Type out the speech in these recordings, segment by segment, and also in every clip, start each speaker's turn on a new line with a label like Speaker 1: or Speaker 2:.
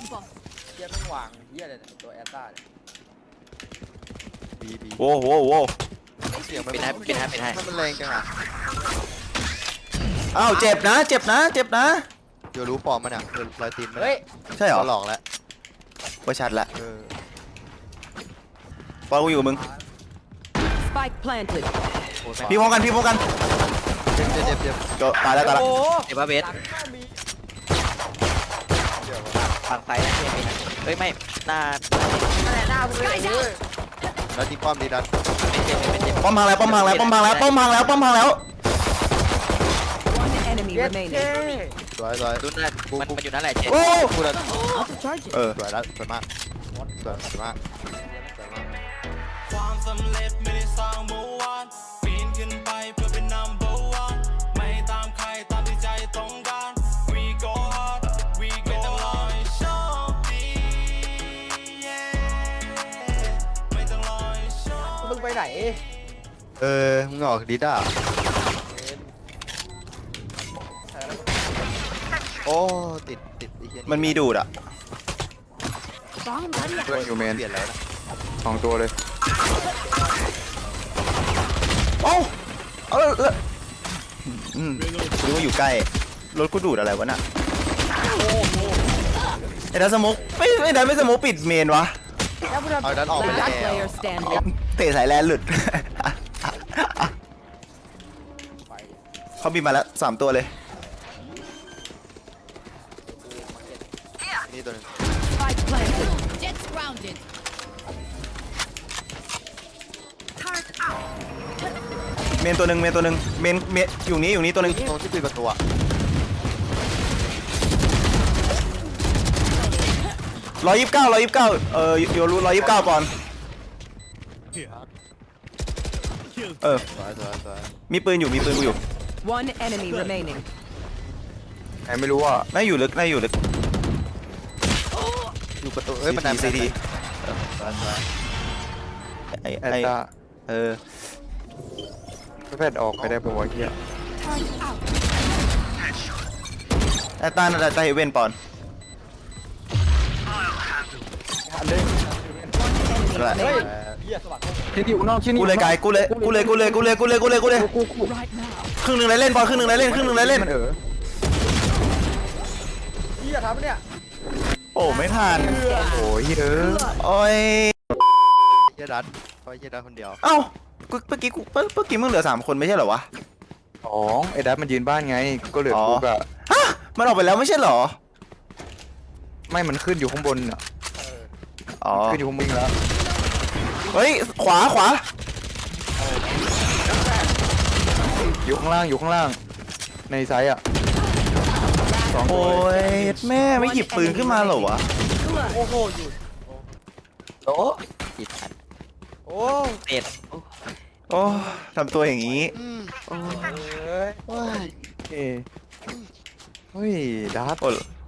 Speaker 1: เฮียต้องวางเฮียอะไรเนี่ยตัวแอตตาเนี่ย
Speaker 2: บี
Speaker 3: โว้โว้โว้
Speaker 2: เสียงมัน
Speaker 4: เป็นให้
Speaker 2: มันแรงจังอ่ะ
Speaker 3: อ้าวเจ็บนะเจ็บนะเจ็บนะ
Speaker 2: เดี๋ยวรู้ปลอมมันอ่ะรอยตีนมัน
Speaker 1: เฮ้ย
Speaker 3: ใช่เหรอ
Speaker 2: หลอกแล้ว
Speaker 3: ว่าชัดละ
Speaker 2: เออ
Speaker 3: ปอนกูอยู่กับมึง
Speaker 5: Spike planted.
Speaker 3: พี่พร้อมกันพี่พร้อมกัน
Speaker 2: เจ็บ
Speaker 3: โจตายแล้วตายแล้ว
Speaker 1: โอ้โห
Speaker 4: เดี๋ยวว่าเบส
Speaker 1: หลังก็มี
Speaker 4: ฝั่งซ้ายนะเมีเฮ้ยไม่หน้า
Speaker 1: นั่นแหละหน้ามึงเลยเว้ย
Speaker 2: แล้วที่ป้อมดีดัน
Speaker 4: เป็นเจ็บ
Speaker 3: ป้อมพังแล้วป้อมพังแล้วป้อมพังแล้วป้อมพังแล้วป้อมพังแล้ว
Speaker 5: One enemy
Speaker 1: เย็ด
Speaker 5: remaining.
Speaker 1: เท่
Speaker 2: สวย
Speaker 4: ดูนั่นมันอยู่นั่นแหละเจ็บ
Speaker 3: โอ้
Speaker 2: กูดัน
Speaker 5: Out of charges.
Speaker 3: เออ
Speaker 2: สวยแล้วสวยมากสวยมาก
Speaker 6: ความสำเร็จไม่ได้สร้างเมื่อวานปีนขึ้นไปเพื่อเป็น number one ไม่ตามใครตามที่ใจต้องการ we go hard we go hard ไม่ต้องรอให้โชคดี ไม่ต้องรอให้โชค
Speaker 1: มึงไปไหน
Speaker 2: มึงออกดิด้าโอ้ติดไอ้เหี้ย
Speaker 3: มันมีดูดอ่ะ
Speaker 2: เพื่อนอยู่เมนเปลี่ยนแล้วนะ2 ตัวเลย
Speaker 3: โอ้เอาแล้วรู้ว่าอยู่ใกล้รถกูดูดอะไรวะน่ะไอ้ดันสโมกไม่ดันไม่สโมกปิดเมนวะ
Speaker 2: เอาดันออกไปแล้ว
Speaker 5: Last player standing.
Speaker 3: เตะสายแลนหลุด เขาบินมาแล้ว3 ตัวเลย
Speaker 2: นี่ตัวนึง
Speaker 5: Spike planted.
Speaker 7: Jets grounded.
Speaker 3: เมนตัวหนึ่งเมนอยู่นี้ตัวหนึ่ง
Speaker 2: ตรงที่ปิดประตูอ่ะ
Speaker 3: 129โยรู้129ปอนด์เออ
Speaker 2: สวย
Speaker 3: มีปืนกูอยู่
Speaker 5: One enemy remaining.
Speaker 2: ไหนไม่รู้อ่ะ
Speaker 3: น่าอยู่ลึก
Speaker 2: อยู่ประตูเอ้ยมันดัน
Speaker 3: ซีที
Speaker 2: สวย
Speaker 3: ไอ้
Speaker 2: แอตตา
Speaker 3: เออ
Speaker 2: แพทย์ออกไปได้ปะวะเฮีย
Speaker 3: ไอ้ตาน่าจะเฮเว่นปอนด์
Speaker 5: Enemy
Speaker 3: Right.
Speaker 5: remaining.
Speaker 1: เฮียสวัสดี
Speaker 2: ชิ้นอยู่นอกชิ้น
Speaker 3: กูเลยไกลกูเลยครึ่งหนึ่งเลยเล่นปอนด์ครึ่งหนึ่งเลยเล่น
Speaker 2: มัน
Speaker 1: เฮียทำเนี่ย
Speaker 3: โอ้ไม่ทัน
Speaker 2: โอ้ยเออ
Speaker 3: โอ้ย
Speaker 2: เฮียดัดเพราะเฮียดัดคนเดียว
Speaker 3: เอ้าเมื่อกี้มึงเหลือ3 คนไม่ใช่เหรอวะ
Speaker 2: ไอ้ดัดมันยืนบ้านไงก็เหลือกูกับ
Speaker 3: ฮะมันออกไปแล้วไม่ใช่เหรอ
Speaker 2: ไม่มันขึ้นอยู่ข้างบนอ่ะ
Speaker 3: อ๋อ
Speaker 2: ขึ้นอยู่ข้างบนแล้ว
Speaker 3: เฮ้ยขวา
Speaker 2: อยู่ข้างล่างในไซส์อ่ะ2
Speaker 3: โอ้
Speaker 2: ตัวย
Speaker 3: แม่ไม่หยิบปืนขึ้นมาเหรอวะ
Speaker 1: โอ้โหอยู่
Speaker 2: โอ้
Speaker 4: ผิดทัน
Speaker 1: โอ้
Speaker 4: เจ็บ
Speaker 3: โอ้ทำตัวอย่างนี้
Speaker 1: เอ้ย
Speaker 2: ว้ายเฮ้ยดัด
Speaker 3: โอ้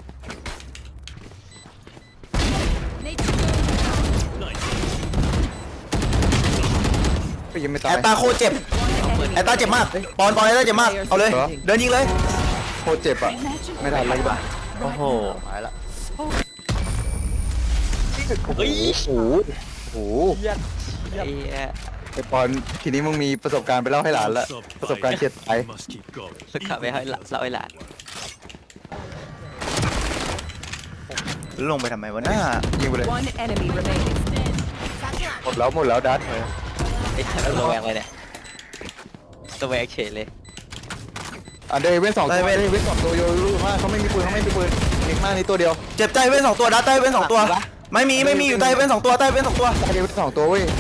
Speaker 2: ก็ยังไม่ตา
Speaker 3: แอย ตตาโคตรเจ็บแอตตาเจ็บมากปอนแอตตาเจ็บมากเอาเลยเดินยิงเลย
Speaker 2: โคตรเจ็บอ่ะไม่ทันเลยบ้า
Speaker 3: โอ้โห
Speaker 2: หายละ
Speaker 4: เฮ้ย
Speaker 2: โอ้โห
Speaker 1: เฮีย
Speaker 4: ไอ้เหี้ย
Speaker 2: ไอ้ปอนทีนี้มึงมีประสบการณ์ไปเล่าให้หลานละประสบการณ์เฉียดตาย
Speaker 4: ลึกขับไปให้เล่าให้หลาน
Speaker 3: ลงไปทำไมวะหน้า
Speaker 2: ยิงไปเลย
Speaker 5: One enemy remaining.
Speaker 2: หมดแล้วดัด
Speaker 4: ไอ้ระแวงเลยเนี่ยระแวงเฉยเลย
Speaker 2: อันเดย์เว้น2 ตัวเว้น2 ตัวโยรู้มากเขาไม่มีปืนเก่งมากนี่ตัวเดียว
Speaker 3: เจ็บใจเว้น2 ตัวดัดใจเว้น2 ตัวไม่มีอยู่ใจเว้น2 ตัวใต้เว้น2 ตัว
Speaker 2: อันเดย์เว้น2 ตัวเว้ย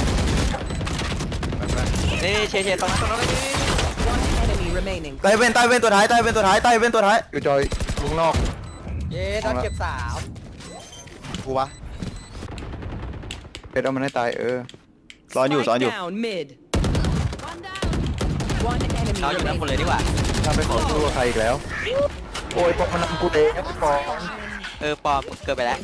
Speaker 4: นี่เฉยตรงนั้น
Speaker 5: One enemy remaining.
Speaker 3: ใต้เว้นตัวท้าย
Speaker 2: อยู่จอยลุงนอก
Speaker 1: เย้ต้องเก็บ3
Speaker 2: กูวะเป็นเอามันให้ตาย
Speaker 3: ซ้อนอยู่
Speaker 5: Spike down mid. One enemy
Speaker 4: เขาอยู่ด้านบนเลย
Speaker 5: remaining.
Speaker 4: ดีกว่า
Speaker 2: ถ้าไปขอสู้กับใครอีกแล้ว โอ้ยปอกมันนำกูเองครับปอก
Speaker 4: ปอมเกินไปแล้ว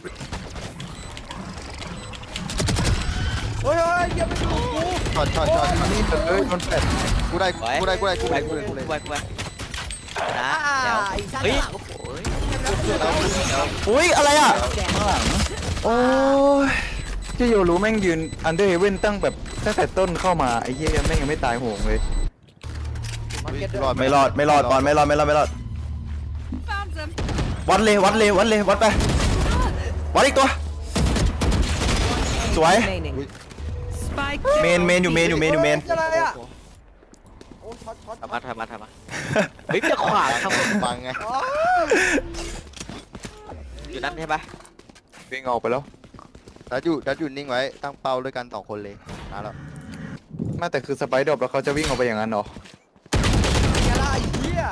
Speaker 1: เฮ้ยเฮียไม่ถูกกู
Speaker 2: ช็อตนี่โดนแฟดกูได้
Speaker 4: ไปไปนะแล้วเฮ้ย
Speaker 3: อุ้ยอะไรอ่ะ โอ้ย
Speaker 2: ที่โยรู้แม่งยืนอันเดอร์เฮเว่นตั้งแต่ต้นเข้ามาไอ้เหี้ยแม่งยังไม่ตายโหงเลย
Speaker 1: มาร์เก็ตด้วย
Speaker 3: ไม่รอดบอลไม่รอดวัดเลยวัดไปวัดอีกตัว สวย
Speaker 5: Remaining. Spike
Speaker 3: เมนอยู่เมน
Speaker 1: อะไรอ่ะโอ้ช็อต
Speaker 4: ทำมาเฮ้ยจะขวางครับ
Speaker 3: บังไง
Speaker 1: อ๋อ
Speaker 4: อยู่นั่นใช่ปะ
Speaker 2: วิ่งออกไปแล้ว
Speaker 3: ดัดอยู่นิ่งไว้ตั้งเป้าด้วยกัน2คนเลยมาแล้ว
Speaker 2: น่าแต่คือสไปด์ดรอปแล้วเขาจะวิ่งออกไปอย่างนั้นเหรอ
Speaker 1: อะไรไอ้เหี้ย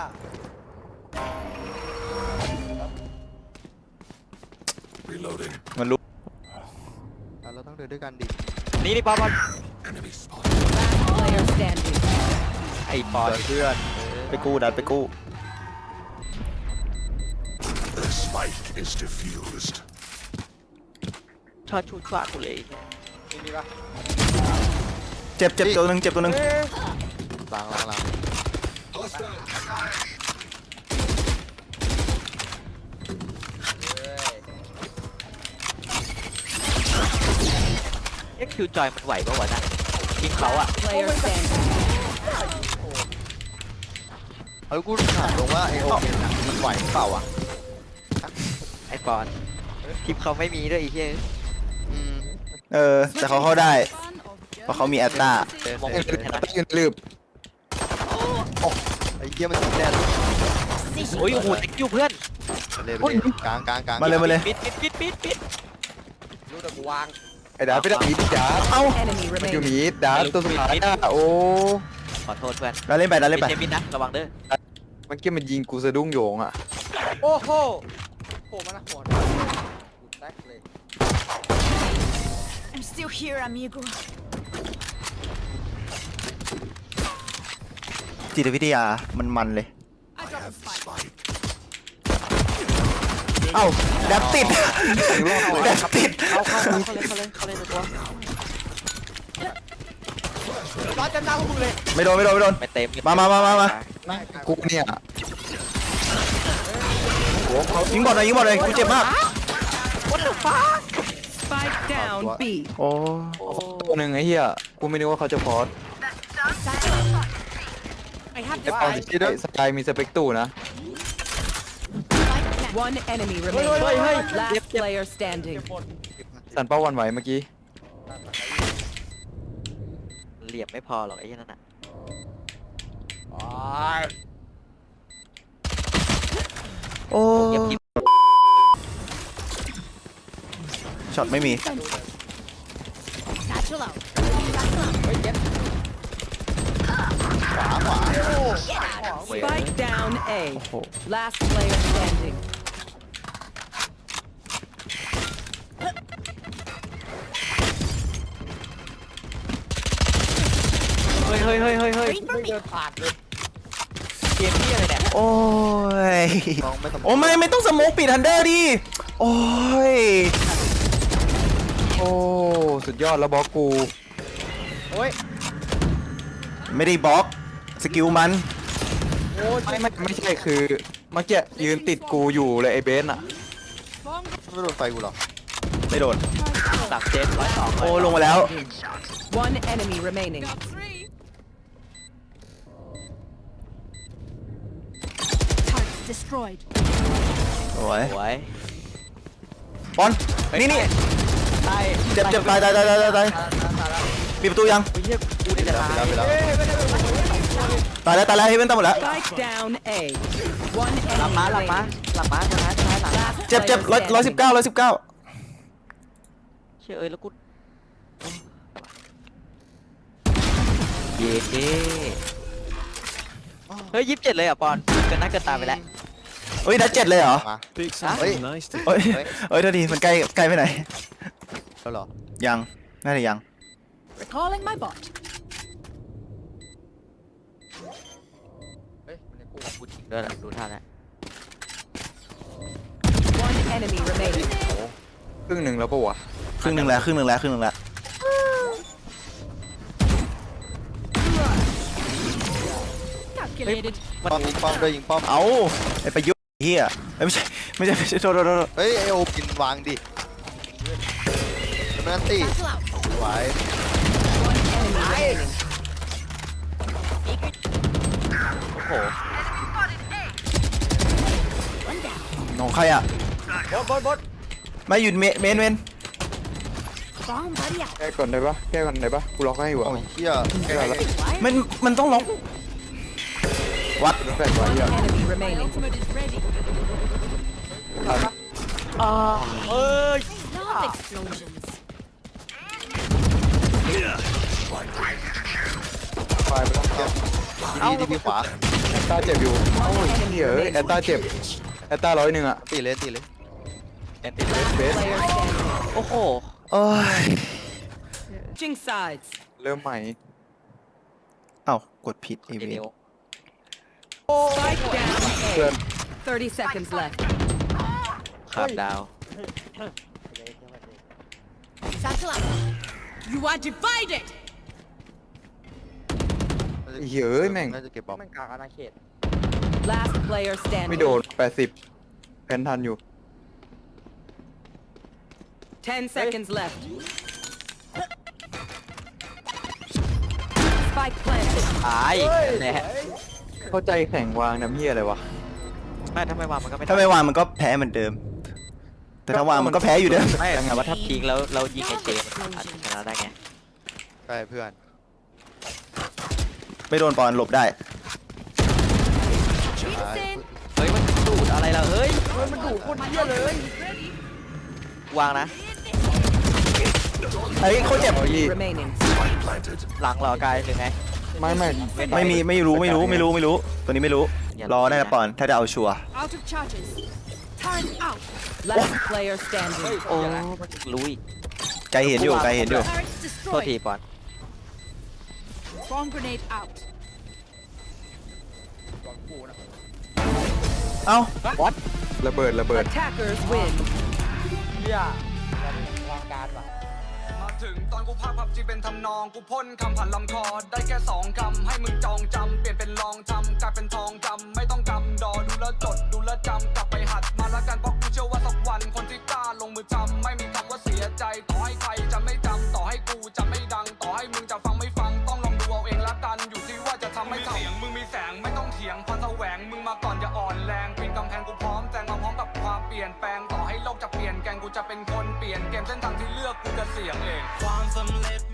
Speaker 3: มันรู้เราต้องเดินด้วยกันดิ
Speaker 4: นี่ปอน
Speaker 5: player standing.
Speaker 4: ไอ้ปอน
Speaker 3: เพื่อนไปกู้ดัดไปกู้
Speaker 7: The spike is diffused.
Speaker 4: ชอบชูชวากูเลย
Speaker 1: มีปะ
Speaker 3: เจ็บตัวหนึ่ง
Speaker 1: เอ๊ะ
Speaker 3: ล้าง
Speaker 4: เอ็กคิวจอยมันไหวปะวะนะยิงเขาอะ
Speaker 5: Player standing.
Speaker 3: แล้วกูถามลงว่าไอโอเมนมันไหวเปล่าอ่ะ
Speaker 4: ไอ้ปอนทีมเขาไม่มีด้วยไอ้เหี้ย
Speaker 3: แต่เขาเข้าได้เพราะเขามีแอตตา
Speaker 4: มอง
Speaker 2: ยื
Speaker 4: ไม่เห็นนะ
Speaker 2: นลืบ
Speaker 3: ไอ้เกียมันแดน
Speaker 4: โอ้ยโอ้โหติ๊กอยู่เพื่อน
Speaker 3: เลยกลางมาเลย
Speaker 4: ปิด
Speaker 1: รู้แต่กูวาง
Speaker 2: ไอ้ดาไปดักมีดดา
Speaker 5: Enemy
Speaker 2: มันอยู่
Speaker 5: remaining.
Speaker 2: มีดดาตัวสุดท้ายอ่ะโอ้
Speaker 4: ขอโทษเพื่อน
Speaker 3: เราเล่นไป
Speaker 4: ไม่ใช่มิดนะระวังเด้อ
Speaker 2: มันเกี้ยมันยิงกูสะดุ้งโยงอ่ะ
Speaker 1: โอ้โหโผล่มานะหัวแตกเลย
Speaker 8: I'm still here, amigo.
Speaker 3: จิตวิทยามันเลย
Speaker 8: I dropped a spike.
Speaker 3: เอ้าแดบติด
Speaker 4: เขาเลยตัว
Speaker 1: ร้อนจำหน้าพวกมึงเลย
Speaker 3: ไม่โดน
Speaker 4: ไม่เต็ม
Speaker 3: มา
Speaker 2: กูเนี่ย
Speaker 3: ยิงบอลหน่อยกูเจ็บมาก
Speaker 5: Spike down B.
Speaker 3: โอ้
Speaker 2: ตัวหนึ่งไอ้เหี้ยกูไม่นึกว่าเขาจะพอส
Speaker 8: I have
Speaker 2: ไอ้
Speaker 8: the
Speaker 2: ปอน
Speaker 8: spike.
Speaker 2: สกายมีสเปกตูนะ
Speaker 5: One enemy remaining. Last player standing.
Speaker 2: สันเป้าวันไหวเมื่อกี้
Speaker 4: เหลี่ยมไม่พอหรอกไอ้เหี้ยนั่นน่ะ
Speaker 3: โอ้
Speaker 4: เงียบกิ๊บ
Speaker 3: ช็อตไม่มี
Speaker 8: Satchel out.
Speaker 1: เฮ้ยเจ็บ
Speaker 5: Spike down A. Last player standing.
Speaker 4: เฮ้ย
Speaker 8: Wait for
Speaker 1: ไม่
Speaker 8: me.
Speaker 1: เดินผ่านเลย
Speaker 4: เกมที่อะไรเนี่ย
Speaker 3: โอ้ยโอ้ไม่ต้องสโมกปิดทันเดอร์ดิโอ้ย
Speaker 2: โอ้สุดยอดแล้วบล็อกกู
Speaker 1: โอ้ย
Speaker 3: ไม่ได้บล็อกสกิลมัน
Speaker 1: โอ้ย
Speaker 2: ไม่ใช่คือเมื่อกี้ยืนติดกูอยู่เลยไอ้เบสอ่ะ
Speaker 3: ไม่โดนไฟกูหรอไม่โดน
Speaker 4: หลักเจ็ด102
Speaker 3: โอ้ลงมาแล้ว
Speaker 5: One enemy remaining.
Speaker 8: Target destroyed.
Speaker 3: โอ้ย
Speaker 4: สวย
Speaker 3: บอลนี่
Speaker 4: ตาย
Speaker 3: เจ็บตายปิดประตูยัง
Speaker 4: เฮียกูนี่จะตาย
Speaker 3: ตายแล้วเฮเว่นตายหมดแล้ว
Speaker 5: Spike down A. One
Speaker 4: หลัง
Speaker 5: enemy
Speaker 4: ม้าตัวท้าย
Speaker 5: remaining. Last
Speaker 3: เจ็บ
Speaker 5: player
Speaker 3: 119
Speaker 5: standing.
Speaker 4: เชื่อแล้วกูเย้เฮ้ย27เลยอ่ะปอนเกินหน้าเกินตาไปแล้ว
Speaker 3: เฮ้ยนัด7เลยเหรอ
Speaker 7: Big
Speaker 4: something
Speaker 7: nice to
Speaker 3: เฮ้ยเท่าทีมันใกล้ไปไหน
Speaker 1: แล้วหรอ
Speaker 3: ยังน่าจะยัง
Speaker 8: Recalling my bot.
Speaker 1: เฮ้ยมันในกู
Speaker 4: กูจริงด้วยแหละดูท่าแล้ว
Speaker 5: One enemy remaining.
Speaker 2: ครึ่งหนึ่งแล้วปะวะ
Speaker 3: ครึ่งหนึ่งแล้ว
Speaker 8: Calculated.
Speaker 3: ป้อมด้วยยิงป้อมเอาไอ้ประยุทธ์เฮียเอ้ยไม่ใช่โทษ
Speaker 2: เฮ้ยไอโอกินวางดิมันตี
Speaker 8: Battle out.
Speaker 2: ไหว
Speaker 4: โอ้โห
Speaker 3: ของใครอ่ะ
Speaker 1: บด
Speaker 3: ไม่หยุดเมน
Speaker 8: Bomb buddy out.
Speaker 2: แก้ก่อนได้ปะแก้ก่อนได้ปะกูล็อกให้อยู่อ่ะ
Speaker 1: โอ้ยเชี่ย
Speaker 2: แก้ก่อนแล้ว
Speaker 3: มันต้องล็อกวัด
Speaker 2: แฟนไว้อ่ะ
Speaker 5: Enemy
Speaker 8: My
Speaker 5: remaining.
Speaker 8: ultimate is ready.
Speaker 1: เอ้ย
Speaker 8: Love explosions.
Speaker 2: ไฟไปแล้วแก้
Speaker 1: ดีขวา
Speaker 2: แอตตาเจ็บอยู่โอ้ยเหี้ยแอตตาเจ็บแอตตา101อ่ะ
Speaker 1: ตีเลย
Speaker 4: แอนตี้เลส
Speaker 2: เบส
Speaker 5: Player standing.
Speaker 4: โอ้โห
Speaker 3: โอ้ย
Speaker 5: Switching sides.
Speaker 2: เริ่มใหม่
Speaker 3: เอ้ากดผิดอี
Speaker 4: เอ
Speaker 3: เว
Speaker 4: เน
Speaker 3: น
Speaker 4: ล
Speaker 5: Spike down
Speaker 2: เพื่อน
Speaker 5: A. 30 seconds left.
Speaker 4: ขาดดาว
Speaker 8: Battle out. You are divided.
Speaker 2: เฮ้ยแม่ง
Speaker 1: น่าจะเก็บบอมแม่งกลางอาณาเขต
Speaker 5: Last player standing.
Speaker 2: ไม่โดน80แพนทันอยู่
Speaker 5: 10 seconds left. Spike planted.
Speaker 4: ตายแหละ
Speaker 2: เข้าใจแข่งวางน้ำเหี้ยอะไรวะ
Speaker 4: ไม่ถ้าไม่วางมันก็ไม่
Speaker 3: ถ้าไม่วางมันก็แพ้เหมือนเดิม แต่ถ้าวางมันก็แพ้อยู่เดิม
Speaker 4: ไม่แต่ว่าถ้าทิ้งแล้วเรายิงไอเจมันอาจจะชนะได้ไง
Speaker 1: ใช่เพื่อน
Speaker 3: ไม่โดนปอนหลบได้
Speaker 8: Vincent.
Speaker 4: เฮ้ยมันดูดอะไรล่ะเฮ้ย
Speaker 1: มันดุโคตรเหี้ยเลย
Speaker 4: วางนะ
Speaker 3: เฮ้ยเขาเจ็บ
Speaker 2: เอายี่
Speaker 5: Remaining.
Speaker 7: Planted.
Speaker 4: หลังเหรอกายหรือไง
Speaker 2: ไม่
Speaker 3: ไม่รู้ตัวนี้ไม่รู้ รอได้นะปอนถ้าจะเอาชัวร์
Speaker 8: Out of charges. Turn out.
Speaker 5: Last player standing.
Speaker 4: โอ้รู้อีก
Speaker 3: ใจเห็นอยู่
Speaker 8: Turrets
Speaker 4: โทษที
Speaker 8: destroyed.
Speaker 4: ปอน
Speaker 8: Bomb grenade out.
Speaker 3: เอ้า
Speaker 2: ระเบิด
Speaker 5: Attackers win.
Speaker 1: เหี้ยวางการว่ะ
Speaker 6: มาถึงตอนกูพากพับจีเป็นทำนองกูพ่นคำผ่านลำคอได้แค่2คำให้มึงจองจำเปลี่ยนเป็นลองทำกลายเป็นทองจำไม่ต้องกำดอดูแลวจดดูแลวจำกลับไปหัดมาละกันเพราะกูเชื่อว่าสักวันคนที่กล้าลงมือทำไม่มีคำว่าเสียใจต่อให้ใครจะไม่จำต่อให้กูจะไม่ดังต่อให้มึงจะฟังไม่ฟังต้องลองดูเอาเองละกันอยู่ที่ว่าจะทำไม่ทำเสียงมึงมีแสงไม่ต้องเถียงพรแสวงมึงมาก่อนอย่าอ่อนแรงปีนกำแพงกูพร้อมแซงมาพร้อมกับความเปลี่ยนแปลงต่อให้โลกจะเปลี่ยนแกงกูจะเป็นคนเปลี่ยนเกมเส้นทางที่เลือกกูจะเสี่ยงเองความสำเร็จ